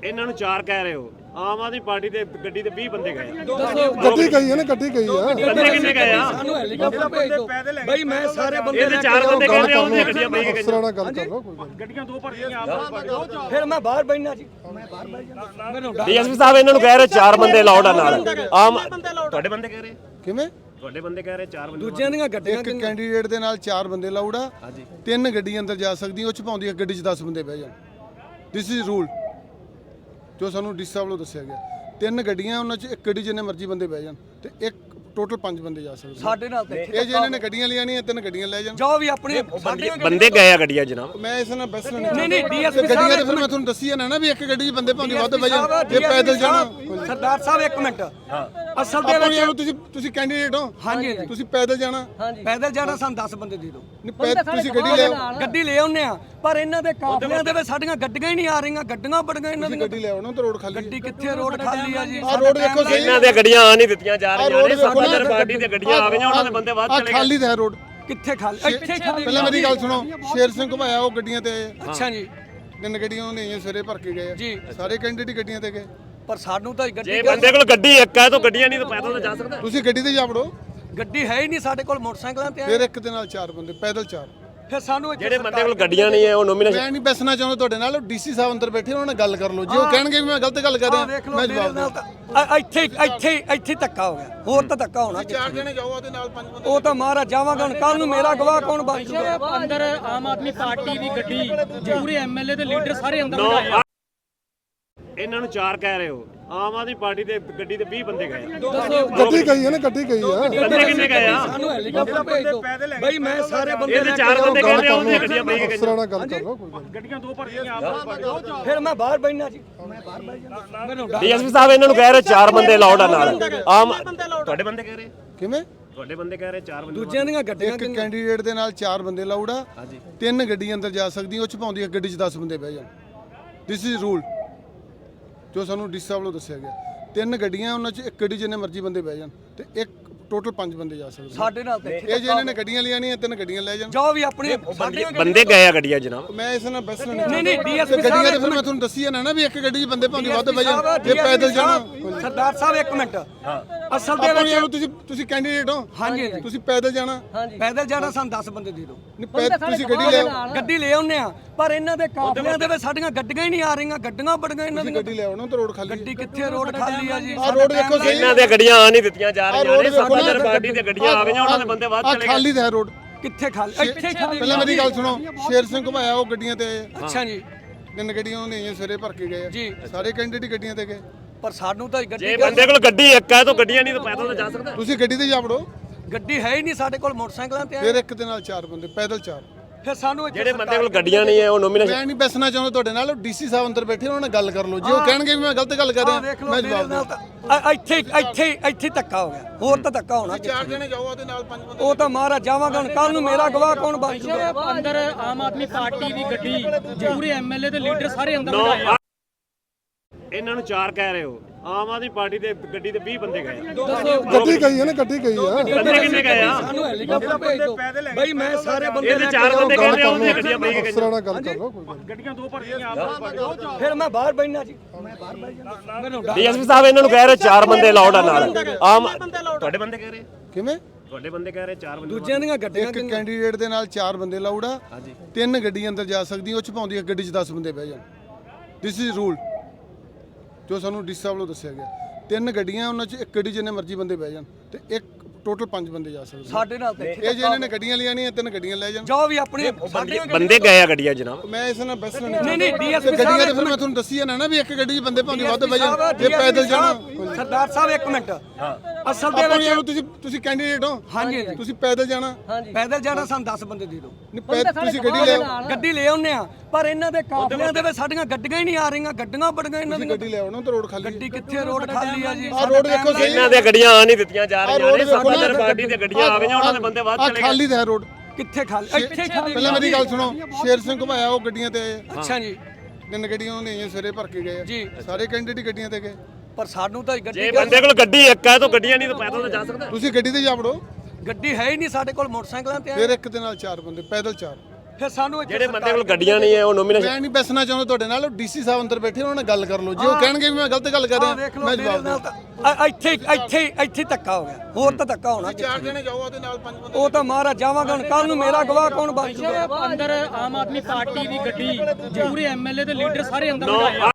ਇਹਨਾਂ ਨੂੰ 4 ਕਹਿ ਰਹੇ ਹੋ। ਆਮ ਆਦਮੀ ਪਾਰਟੀ ਦੇ ਗੱਡੀ ਤੇ 20 ਬੰਦੇ ਗਏ। ਗੱਡੀ ਗਈ ਹੈ ਨਾ, ਗੱਡੀ ਗਈ ਆ। ਬੰਦੇ ਕਿੰਨੇ ਗਏ ਆ? ਸਾਨੂੰ ਹੈਲੀਕਾਪਟਰ ਭੇਜ ਦਿਓ ਬਈ। ਮੈਂ ਸਾਰੇ ਬੰਦੇ ਇਹਦੇ 4 ਬੰਦੇ ਕਹਿ ਰਹੇ ਉਹਦੀਆਂ ਗੱਡੀਆਂ ਪਈ ਗਈਆਂ। ਅਫਸਰਾਂ ਨਾਲ ਗੱਲ ਕਰ ਲਓ, ਕੋਈ ਗੱਲ ਗੱਡੀਆਂ 2 ਭਰ ਗਈਆਂ ਆਪ। ਫਿਰ ਮੈਂ ਬਾਹਰ ਬੈਠਣਾ ਜੀ। ਮੈਂ ਬਾਹਰ ਬੈਠ ਜਾਣਾ। ਮੈਨੂੰ ਡੀਐਸਪੀ ਸਾਹਿਬ ਇਹਨਾਂ ਨੂੰ ਕਹਿ ਰਹੇ 4 ਬੰਦੇ ਲਾਉਡ ਆ ਨਾਲ। ਆਮ ਤੁਹਾਡੇ ਬੰਦੇ ਕਹਿ ਰਹੇ? ਕਿਵੇਂ ਤੁਹਾਡੇ ਬੰਦੇ ਕਹਿ ਰਹੇ 4 ਬੰਦੇ। ਦੂਜਿਆਂ ਦੀਆਂ ਗੱਡੀਆਂ ਇੱਕ ਕੈਂਡੀਡੇਟ ਦੇ ਨਾਲ 4 ਬੰਦੇ ਲਾਊਡ ਆ। 3 ਗੱਡੀ ਅੰਦਰ ਜਾ ਸਕਦੀਆਂ, ਉਹ ਚ ਪਾਉਂਦੀ ਇੱਕ ਗੱਡੀ 'ਚ 10 ਬੰਦੇ ਬਹਿ ਜਾਣ। ਦਿਸ ਇਜ਼ ਰੂਲ ਜੋ ਸਾਨੂੰ ਡੀ ਸਾਹਿਬ ਵੱਲੋਂ ਦੱਸਿਆ ਗਿਆ। 3 ਗੱਡੀਆਂ, ਉਹਨਾਂ 'ਚ ਇੱਕ ਗੱਡੀ ਜਿੰਨੇ ਮਰਜ਼ੀ ਬੰਦੇ ਬਹਿ ਜਾਣ ਤੇ ਇੱਕ ਟੋਟਲ 5 ਬੰਦੇ ਜਾ ਸਕਦੇ। ਸਾਡੇ ਨਾਲ ਤੇ ਇਹ ਜੇ ਇਹਨਾਂ ਨੇ ਗੱਡੀਆਂ ਲਿਆਣੀਆਂ 3 ਗੱਡੀਆਂ ਲੈ ਜਾਣ। ਜੋ ਵੀ ਆਪਣੀ ਬੰਦੇ ਗਏ ਆ ਗੱਡੀਆਂ ਜਨਾਬ। ਮੈਂ ਇਸ ਨਾਲ ਬਸ ਨਹੀਂ ਡੀਐਸਪੀ ਗੱਡੀਆਂ ਤੇ ਫਿਰ ਮੈਂ ਤੁਹਾਨੂੰ ਦੱਸੀ ਹੈ ਨਾ ਵੀ ਇੱਕ ਗੱਡੀ 'ਚ ਬੰਦੇ ਭਾਵੇਂ ਵੱਧ ਬਹਿ ਜਾਣ, ਜੇ ਪੈਦਲ ਜਾਣਾ। ਸਰਦਾਰ ਸਾਹਿਬ ਇੱਕ ਮਿੰਟ। ਅਸਲ ਦੇ ਆਪਾਂ ਵਿੱਚ ਨੂੰ ਤੁਸੀਂ ਕੈਂਡੀਡੇਟ ਹੋ, ਹਾਂਜੀ ਤੁਸੀਂ ਪੈਦਲ ਜਾਣਾ। ਪੈਦਲ ਜਾਣਾ ਸਾਨੂੰ 10 ਬੰਦੇ ਦੇ ਦਿਓ। ਤੁਸੀਂ ਗੱਡੀ ਲੈ ਆਓ, ਗੱਡੀ ਲੈ ਆਉਂਦੇ ਆ, ਪਰ ਇਹਨਾਂ ਦੇ ਕਾਫਲਿਆਂ ਦੇ ਵਿੱਚ ਸਾਡੀਆਂ ਗੱਡੀਆਂ ਹੀ ਨਹੀਂ ਆ ਰਹੀਆਂ। ਗੱਡੀਆਂ ਬੜ ਗਈਆਂ ਇਹਨਾਂ ਦੀਆਂ। ਗੱਡੀ ਲੈ ਆਓ ਨਾ, ਤੇ ਰੋਡ ਖਾਲੀ। ਗੱਡੀ ਕਿੱਥੇ? ਰੋਡ ਖਾਲੀ ਆ ਜੀ। ਆਹ ਰੋਡ ਦੇਖੋ ਸਹੀ। ਇਹਨਾਂ ਦੀਆਂ ਗੱਡੀਆਂ ਆ ਨਹੀਂ ਦਿੱਤੀਆਂ ਜਾ ਰਹੀਆਂ ਨੇ। ਸੱਤਾਧਾਰ ਪਾਰਟੀ ਦੀਆਂ ਗੱਡੀਆਂ ਆ ਗਈਆਂ, ਉਹਨਾਂ ਦੇ ਬੰਦੇ ਵੱਧ ਚਲੇ ਗਏ। ਖਾਲੀ ਤਾਂ ਹੈ ਰੋਡ। ਕਿੱਥੇ ਖਾਲੀ? ਇੱਥੇ ਖਾਲੀ। ਪਹਿਲਾਂ ਮੇਰੀ ਗੱਲ ਸੁਣੋ, ਸ਼ੇਰ ਸਿੰਘ ਘੁਮਾਇਆ ਉਹ ਗੱਡੀਆਂ ਤੇ ਆਏ। ਅੱਛਾ ਜੀ। 3 ਗੱਡੀਆਂ ਉਹਨੇ ਆਈਆਂ ਸਵੇਰੇ ਭਰ ਕੇ ਗਏ ਜੀ। ਸਾਰੇ ਕੈਂਡੀਡੇਟ ਗੱਡੀਆਂ ਤੇ ਗਏ। ਪਰ ਸਾਨੂੰ ਤਾਂ ਗੱਡੀ ਜੇ ਬੰਦੇ ਕੋਲ ਗੱਡੀ ਇੱਕ ਹੈ ਤਾਂ ਗੱਡੀਆਂ ਨਹੀਂ ਤਾਂ ਪੈਦਲ ਤਾਂ ਜਾ ਸਕਦਾ। ਤੁਸੀਂ ਗੱਡੀ ਤੇ ਜਾ ਵੜੋ। ਗੱਡੀ ਹੈ ਹੀ ਨਹੀਂ ਸਾਡੇ ਕੋਲ। ਮੋਟਰਸਾਈਕਲਾਂ ਤੇ ਫਿਰ ਇੱਕ ਦੇ ਨਾਲ 4 ਬੰਦੇ ਪੈਦਲ 4। ਫਿਰ ਸਾਨੂੰ ਜਿਹੜੇ ਬੰਦੇ ਕੋਲ ਗੱਡੀਆਂ ਨਹੀਂ ਹੈ ਉਹ ਨੋਮੀਨੇਸ਼ਨ। ਮੈਂ ਨਹੀਂ ਬੈਸਣਾ ਚਾਹੁੰਦਾ ਤੁਹਾਡੇ ਨਾਲ। ਡੀਸੀ ਸਾਹਿਬ ਅੰਦਰ ਬੈਠੇ, ਉਹਨਾਂ ਨਾਲ ਗੱਲ ਕਰ ਲਓ। ਜੇ ਉਹ ਕਹਿਣਗੇ ਵੀ ਮੈਂ ਗਲਤ ਗੱਲ ਕਰ ਰਿਹਾ, ਵੇਖ ਲਓ ਮੈਂ ਮੇਰੇ ਜਵਾਬ ਨਾਲ ਦਊਂ। ਤਾਂ ਇੱਥੇ ਧੱਕਾ ਹੋ ਗਿਆ। ਹੋਰ ਤਾਂ ਧੱਕਾ ਹੋਣਾ। 4 ਜਣੇ ਜਾਓ, ਉਹਦੇ ਨਾਲ 5 ਬੰਦੇ। ਉਹ ਤਾਂ ਮਹਾਰਾਜ ਜਾਵਾਂਗਾ ਹੁਣ। ਕੱਲ ਨੂੰ ਮੇਰਾ ਗਵਾਹ ਕੌਣ ਬਣ ਜੂਗਾ? ਅੰਦਰ ਆਮ ਆਦਮੀ ਪਾਰਟੀ ਦੀ ਗੱਡੀ ਪੂਰੇ ਐਮਐਲਏ ਤੇ ਲੀਡਰ ਸਾਰੇ ਅੰਦਰ ਬਿਠਾਏ ਆ। ਇਹਨਾਂ ਨੂੰ 4 ਕਹਿ ਰਹੇ ਹੋ। ਆਮ ਆਦਮੀ ਪਾਰਟੀ ਦੇ ਗੱਡੀ ਤੇ 20 ਬੰਦੇ ਗਏ। ਗੱਡੀ ਗਈ ਹੈ ਨਾ, ਗੱਡੀ ਗਈ ਆ। ਬੰਦੇ ਕਿੰਨੇ ਗਏ ਆ? ਸਾਨੂੰ ਹੈਲੀਕਾਪਟਰ ਭੇਜ ਦਿਓ ਬਈ। ਮੈਂ ਸਾਰੇ ਬੰਦੇ ਇਹਦੇ 4 ਬੰਦੇ ਕਹਿ ਰਹੇ ਉਹਦੀਆਂ ਗੱਡੀਆਂ ਪਈ ਗਈਆਂ। ਅਫਸਰਾਂ ਨਾਲ ਗੱਲ ਕਰ ਲਓ, ਕੋਈ ਗੱਲ ਗੱਡੀਆਂ 2 ਭਰ ਗਈਆਂ ਆਪ। ਫਿਰ ਮੈਂ ਬਾਹਰ ਬੈਠਣਾ ਜੀ। ਮੈਂ ਬਾਹਰ ਬੈਠ ਜਾਣਾ। ਮੈਨੂੰ ਡੀਐਸਪੀ ਸਾਹਿਬ ਇਹਨਾਂ ਨੂੰ ਕਹਿ ਰਹੇ 4 ਬੰਦੇ ਲਾਉਡ ਆ ਨਾਲ। ਆਮ ਤੁਹਾਡੇ ਬੰਦੇ ਕਹਿ ਰਹੇ? ਕਿਵੇਂ ਤੁਹਾਡੇ ਬੰਦੇ ਕਹਿ ਰਹੇ 4 ਬੰਦੇ। ਦੂਜਿਆਂ ਦੀਆਂ ਗੱਡੀਆਂ ਇੱਕ ਕੈਂਡੀਡੇਟ ਦੇ ਨਾਲ 4 ਬੰਦੇ ਲਾਊਡ ਆ। 3 ਗੱਡੀ ਅੰਦਰ ਜਾ ਸਕਦੀਆਂ, ਉਹ ਚ ਪਾਉਂਦੀ ਇੱਕ ਗੱਡੀ 'ਚ 10 ਬੰਦੇ ਬਹਿ ਜਾਣ। ਦਿਸ ਇਜ਼ ਰੂਲ ਜੋ ਸਾਨੂੰ ਡੀ ਸਾਹਿਬ ਵੱਲੋਂ ਦੱਸਿਆ ਗਿਆ। 3 ਗੱਡੀਆਂ, ਉਹਨਾਂ 'ਚ ਇੱਕ ਗੱਡੀ ਜਿੰਨੇ ਮਰਜ਼ੀ ਬੰਦੇ ਬਹਿ ਜਾਣ ਤੇ ਇੱਕ ਟੋਟਲ 5 ਬੰਦੇ ਜਾ ਸਕਦੇ। ਸਾਡੇ ਨਾਲ ਤੇ ਇਹ ਜੇ ਇਹਨਾਂ ਨੇ ਗੱਡੀਆਂ ਲਿਆਣੀਆਂ 3 ਗੱਡੀਆਂ ਲੈ ਜਾਣ। ਜੋ ਵੀ ਆਪਣੀ ਬੰਦੇ ਗਏ ਆ ਗੱਡੀਆਂ ਜਨਾਬ। ਮੈਂ ਇਸ ਨਾਲ ਬਸ ਨਹੀਂ ਡੀਐਸਪੀ ਗੱਡੀਆਂ ਤੇ ਫਿਰ ਮੈਂ ਤੁਹਾਨੂੰ ਦੱਸੀ ਹੈ ਨਾ ਵੀ ਇੱਕ ਗੱਡੀ 'ਚ ਬੰਦੇ ਭਾਵੇਂ ਵੱਧ ਬਹਿ ਜਾਣ, ਜੇ ਪੈਦਲ ਜਾਣਾ। ਸਰਦਾਰ ਸਾਹਿਬ ਇੱਕ ਮਿੰਟ। ਅਸਲ ਦੇ ਆਪਾਂ ਵਿੱਚ ਨੂੰ ਤੁਸੀਂ ਕੈਂਡੀਡੇਟ ਹੋ, ਹਾਂਜੀ ਤੁਸੀਂ ਪੈਦਲ ਜਾਣਾ। ਪੈਦਲ ਜਾਣਾ ਸਾਨੂੰ 10 ਬੰਦੇ ਦੇ ਦਿਓ। ਤੁਸੀਂ ਗੱਡੀ ਲੈ ਆਓ, ਗੱਡੀ ਲੈ ਆਉਂਦੇ ਆ, ਪਰ ਇਹਨਾਂ ਦੇ ਕਾਫਲਿਆਂ ਦੇ ਵਿੱਚ ਸਾਡੀਆਂ ਗੱਡੀਆਂ ਹੀ ਨਹੀਂ ਆ ਰਹੀਆਂ। ਗੱਡੀਆਂ ਬੜ ਗਈਆਂ ਇਹਨਾਂ ਦੀਆਂ। ਗੱਡੀ ਲੈ ਆਓ ਨਾ, ਤੇ ਰੋਡ ਖਾਲੀ। ਗੱਡੀ ਕਿੱਥੇ? ਰੋਡ ਖਾਲੀ ਆ ਜੀ। ਆਹ ਰੋਡ ਦੇਖੋ ਸਹੀ। ਇਹਨਾਂ ਦੀਆਂ ਗੱਡੀਆਂ ਆ ਨਹੀਂ ਦਿੱਤੀਆਂ ਜਾ ਰਹੀਆਂ ਨੇ। ਸੱਤਾਧਾਰ ਪਾਰਟੀ ਦੀਆਂ ਗੱਡੀਆਂ ਆ ਗਈਆਂ, ਉਹਨਾਂ ਦੇ ਬੰਦੇ ਵੱਧ ਚਲੇ ਗਏ। ਖਾਲੀ ਤਾਂ ਹੈ ਰੋਡ। ਕਿੱਥੇ ਖਾਲੀ? ਇੱਥੇ ਖਾਲੀ। ਪਹਿਲਾਂ ਮੇਰੀ ਗੱਲ ਸੁਣੋ, ਸ਼ੇਰ ਸਿੰਘ ਘੁਮਾਇਆ ਉਹ ਗੱਡੀਆਂ ਤੇ ਆਏ। ਅੱਛਾ ਜੀ। 3 ਗੱਡੀਆਂ ਉਹਨੇ ਆਈਆਂ ਸਵੇਰੇ ਭਰ ਕੇ ਗਏ ਜੀ। ਸਾਰੇ ਕੈਂਡੀਡੇਟ ਗੱਡੀਆਂ ਤੇ ਗਏ। ਪਰ ਸਾਨੂੰ ਤਾਂ ਗੱਡੀ ਜੇ ਬੰਦੇ ਕੋਲ ਗੱਡੀ ਇੱਕ ਹੈ ਤਾਂ ਗੱਡੀਆਂ ਨਹੀਂ ਤਾਂ ਪੈਦਲ ਤਾਂ ਜਾ ਸਕਦਾ। ਤੁਸੀਂ ਗੱਡੀ ਤੇ ਜਾ ਵੜੋ। ਗੱਡੀ ਹੈ ਹੀ ਨਹੀਂ ਸਾਡੇ ਕੋਲ। ਮੋਟਰਸਾਈਕਲਾਂ ਤੇ ਫਿਰ ਇੱਕ ਦੇ ਨਾਲ 4 ਬੰਦੇ ਪੈਦਲ 4। ਫਿਰ ਸਾਨੂੰ ਜਿਹੜੇ ਬੰਦੇ ਕੋਲ ਗੱਡੀਆਂ ਨਹੀਂ ਹੈ ਉਹ ਨੋਮੀਨੇਸ਼ਨ। ਮੈਂ ਨਹੀਂ ਬੈਸਣਾ ਚਾਹੁੰਦਾ ਤੁਹਾਡੇ ਨਾਲ। ਡੀਸੀ ਸਾਹਿਬ ਅੰਦਰ ਬੈਠੇ, ਉਹਨਾਂ ਨਾਲ ਗੱਲ ਕਰ ਲਓ। ਜੇ ਉਹ ਕਹਿਣਗੇ ਵੀ ਮੈਂ ਗਲਤ ਗੱਲ ਕਰ ਰਿਹਾ, ਮੈਂ ਜਵਾਬ ਦਊਂ। ਇੱਥੇ ਧੱਕਾ ਹੋ ਗਿਆ। ਹੋਰ ਤਾਂ ਧੱਕਾ ਹੋਣਾ। 4 ਜਣੇ ਜਾਓ, ਉਹਦੇ ਨਾਲ 5 ਬੰਦੇ। ਉਹ ਤਾਂ ਮਹਾਰਾਜ ਜਾਵਾਂਗਾ ਹੁਣ। ਕੱਲ ਨੂੰ ਮੇਰਾ ਗਵਾਹ ਕੌਣ ਬਣ ਜੂਗਾ? ਅੰਦਰ ਆਮ ਆਦਮੀ ਪਾਰਟੀ ਦੀ ਗੱਡੀ ਪੂਰੇ ਐਮਐਲਏ ਤੇ ਲੀਡਰ ਸਾਰੇ ਅੰਦਰ ਬਿਠਾਏ ਆ। ਇਹਨਾਂ ਨੂੰ 4 ਕਹਿ ਰਹੇ ਹੋ। ਆਮ ਆਦਮੀ ਪਾਰਟੀ ਦੇ ਗੱਡੀ ਤੇ 20 ਬੰਦੇ ਗਏ। ਗੱਡੀ ਗਈ ਹੈ ਨਾ, ਗੱਡੀ ਗਈ ਆ। ਬੰਦੇ ਕਿੰਨੇ ਗਏ ਆ? ਸਾਨੂੰ ਹੈਲੀਕਾਪਟਰ ਭੇਜ ਦਿਓ ਬਈ। ਮੈਂ ਸਾਰੇ ਬੰਦੇ ਇਹਦੇ 4 ਬੰਦੇ ਕਹਿ ਰਹੇ ਉਹਦੀਆਂ ਗੱਡੀਆਂ ਪਈ ਗਈਆਂ। ਅਫਸਰਾਂ ਨਾਲ ਗੱਲ ਕਰ ਲਓ, ਕੋਈ ਗੱਲ ਗੱਡੀਆਂ 2 ਭਰ ਗਈਆਂ ਆਪ। ਫਿਰ ਮੈਂ ਬਾਹਰ ਬੈਠਣਾ ਜੀ। ਮੈਂ ਬਾਹਰ ਬੈਠ ਜਾਣਾ। ਮੈਨੂੰ ਡੀਐਸਪੀ ਸਾਹਿਬ ਇਹਨਾਂ ਨੂੰ ਕਹਿ ਰਹੇ 4 ਬੰਦੇ ਲਾਉਡ ਆ ਨਾਲ। ਆਮ ਤੁਹਾਡੇ ਬੰਦੇ ਕਹਿ ਰਹੇ? ਕਿਵੇਂ ਤੁਹਾਡੇ ਬੰਦੇ ਕਹਿ ਰਹੇ 4 ਬੰਦੇ। ਦੂਜਿਆਂ ਦੀਆਂ ਗੱਡੀਆਂ ਇੱਕ ਕੈਂਡੀਡੇਟ ਦੇ ਨਾਲ 4 ਬੰਦੇ ਲਾਊਡ ਆ। 3 ਗੱਡੀ ਅੰਦਰ ਜਾ ਸਕਦੀਆਂ, ਉਹ ਚ ਪਾਉਂਦੀ ਇੱਕ ਗੱਡੀ 'ਚ 10 ਬੰਦੇ ਬਹਿ ਜਾਣ। ਦਿਸ ਇਜ਼ ਰੂਲ ਜੋ ਸਾਨੂੰ ਡੀ ਸਾਹਿਬ ਵੱਲੋਂ ਦੱਸਿਆ ਗਿਆ। 3 ਗੱਡੀਆਂ, ਉਹਨਾਂ 'ਚ ਇੱਕ ਗੱਡੀ ਜਿੰਨੇ ਮਰਜ਼ੀ ਬੰਦੇ ਬਹਿ ਜਾਣ ਤੇ ਇੱਕ ਟੋਟਲ 5 ਬੰਦੇ ਜਾ ਸਕਦੇ। ਸਾਡੇ ਨਾਲ ਤੇ ਇਹ ਜੇ ਇਹਨਾਂ ਨੇ ਗੱਡੀਆਂ ਲਿਆਣੀਆਂ 3 ਗੱਡੀਆਂ ਲੈ ਜਾਣ। ਜੋ ਵੀ ਆਪਣੀ ਬੰਦੇ ਗਏ ਆ ਗੱਡੀਆਂ ਜਨਾਬ। ਮੈਂ ਇਸ ਨਾਲ ਬਸ ਨਹੀਂ ਡੀਐਸਪੀ ਗੱਡੀਆਂ ਤੇ ਫਿਰ ਮੈਂ ਤੁਹਾਨੂੰ ਦੱਸੀ ਹੈ ਨਾ ਵੀ ਇੱਕ ਗੱਡੀ 'ਚ ਬੰਦੇ ਭਾਵੇਂ ਵੱਧ ਬਹਿ ਜਾਣ, ਜੇ ਪੈਦਲ ਜਾਣਾ। ਸਰਦਾਰ ਸਾਹਿਬ ਇੱਕ ਮਿੰਟ। ਅਸਲ ਦੇ ਆਪਾਂ ਵਿੱਚ ਨੂੰ ਤੁਸੀਂ ਕੈਂਡੀਡੇਟ ਹੋ, ਹਾਂਜੀ ਤੁਸੀਂ ਪੈਦਲ ਜਾਣਾ। ਪੈਦਲ ਜਾਣਾ ਸਾਨੂੰ 10 ਬੰਦੇ ਦੇ ਦਿਓ। ਤੁਸੀਂ ਗੱਡੀ ਲੈ ਆਓ, ਗੱਡੀ ਲੈ ਆਉਂਦੇ ਆ, ਪਰ ਇਹਨਾਂ ਦੇ ਕਾਫਲਿਆਂ ਦੇ ਵਿੱਚ ਸਾਡੀਆਂ ਗੱਡੀਆਂ ਹੀ ਨਹੀਂ ਆ ਰਹੀਆਂ। ਗੱਡੀਆਂ ਬੜ ਗਈਆਂ ਇਹਨਾਂ ਦੀਆਂ। ਗੱਡੀ ਲੈ ਆਓ ਨਾ, ਤੇ ਰੋਡ ਖਾਲੀ। ਗੱਡੀ ਕਿੱਥੇ? ਰੋਡ ਖਾਲੀ ਆ ਜੀ। ਆਹ ਰੋਡ ਦੇਖੋ ਸਹੀ। ਇਹਨਾਂ ਦੀਆਂ ਗੱਡੀਆਂ ਆ ਨਹੀਂ ਦਿੱਤੀਆਂ ਜਾ ਰਹੀਆਂ ਨੇ। ਸੱਤਾਧਾਰ ਪਾਰਟੀ ਦੀਆਂ ਗੱਡੀਆਂ ਆ ਗਈਆਂ, ਉਹਨਾਂ ਦੇ ਬੰਦੇ ਵੱਧ ਚਲੇ ਗਏ। ਖਾਲੀ ਤਾਂ ਹੈ ਰੋਡ। ਕਿੱਥੇ ਖਾਲੀ? ਇੱਥੇ ਖਾਲੀ। ਪਹਿਲਾਂ ਮੇਰੀ ਗੱਲ ਸੁਣੋ, ਸ਼ੇਰ ਸਿੰਘ ਘੁਮਾਇਆ ਉਹ ਗੱਡੀਆਂ ਤੇ ਆਏ। ਅੱਛਾ ਜੀ। 3 ਗੱਡੀਆਂ ਉਹਨੇ ਆਈਆਂ ਸਵੇਰੇ ਭਰ ਕੇ ਗਏ ਜੀ। ਸਾਰੇ ਕੈਂਡੀਡੇਟ ਗੱਡੀਆਂ ਤੇ ਗਏ। ਪਰ ਸਾਨੂੰ ਤਾਂ ਗੱਡੀ ਜੇ ਬੰਦੇ ਕੋਲ ਗੱਡੀ ਇੱਕ ਹੈ ਤਾਂ ਗੱਡੀਆਂ ਨਹੀਂ ਤਾਂ ਪੈਦਲ ਤਾਂ ਜਾ ਸਕਦਾ। ਤੁਸੀਂ ਗੱਡੀ ਤੇ ਜਾ ਵੜੋ। ਗੱਡੀ ਹੈ ਹੀ ਨਹੀਂ ਸਾਡੇ ਕੋਲ। ਮੋਟਰਸਾਈਕਲਾਂ ਤੇ ਫਿਰ ਇੱਕ ਦੇ ਨਾਲ 4 ਬੰਦੇ ਪੈਦਲ 4। ਫਿਰ ਸਾਨੂੰ ਇੱਥੇ ਜਿਹੜੇ ਬੰਦੇ ਕੋਲ ਗੱਡੀਆਂ ਨਹੀਂ ਹੈ ਉਹ ਨੋਮੀਨੇਸ਼ਨ ਮੈਂ ਨਹੀਂ ਬੈਸਣਾ ਚਾਹੁੰਦਾ ਤੁਹਾਡੇ ਨਾਲ ਡੀਸੀ ਸਾਹਿਬ ਅੰਦਰ ਬੈਠੇ ਉਹਨਾਂ ਨਾਲ ਗੱਲ ਕਰ ਲਓ ਜੇ ਉਹ ਕਹਿਣਗੇ ਵੀ ਮੈਂ ਗਲਤ ਗੱਲ ਕਰ ਰਿਹਾ ਵੇਖ ਲਓ ਮੈਂ ਮੇਰੇ ਜਵਾਬ ਨਾਲ ਦਊਂ। ਤਾਂ ਇੱਥੇ ਧੱਕਾ ਹੋ ਗਿਆ, ਹੋਰ ਤਾਂ ਧੱਕਾ ਹੋਣਾ ਚਾਰ ਜਣੇ ਜਾਓ ਉਹਦੇ ਨਾਲ 5 ਬੰਦੇ ਉਹ ਤਾਂ ਮਹਾਰਾਜ ਜਾਵਾਂਗੇ ਹੁਣ ਕੱਲ ਨੂੰ ਮੇਰਾ ਗਵਾਹ ਕੌਣ ਬਣ ਜੂਗਾ ਅੰਦਰ ਆਮ ਆਦਮੀ ਪਾਰਟੀ ਦੀ ਗੱਡੀ ਪੂਰੇ ਐਮਐਲਏ ਤੇ ਲੀਡਰ ਸਾਰੇ ਅੰਦਰ ਨੌ ਬਿਠਾਏ ਆ।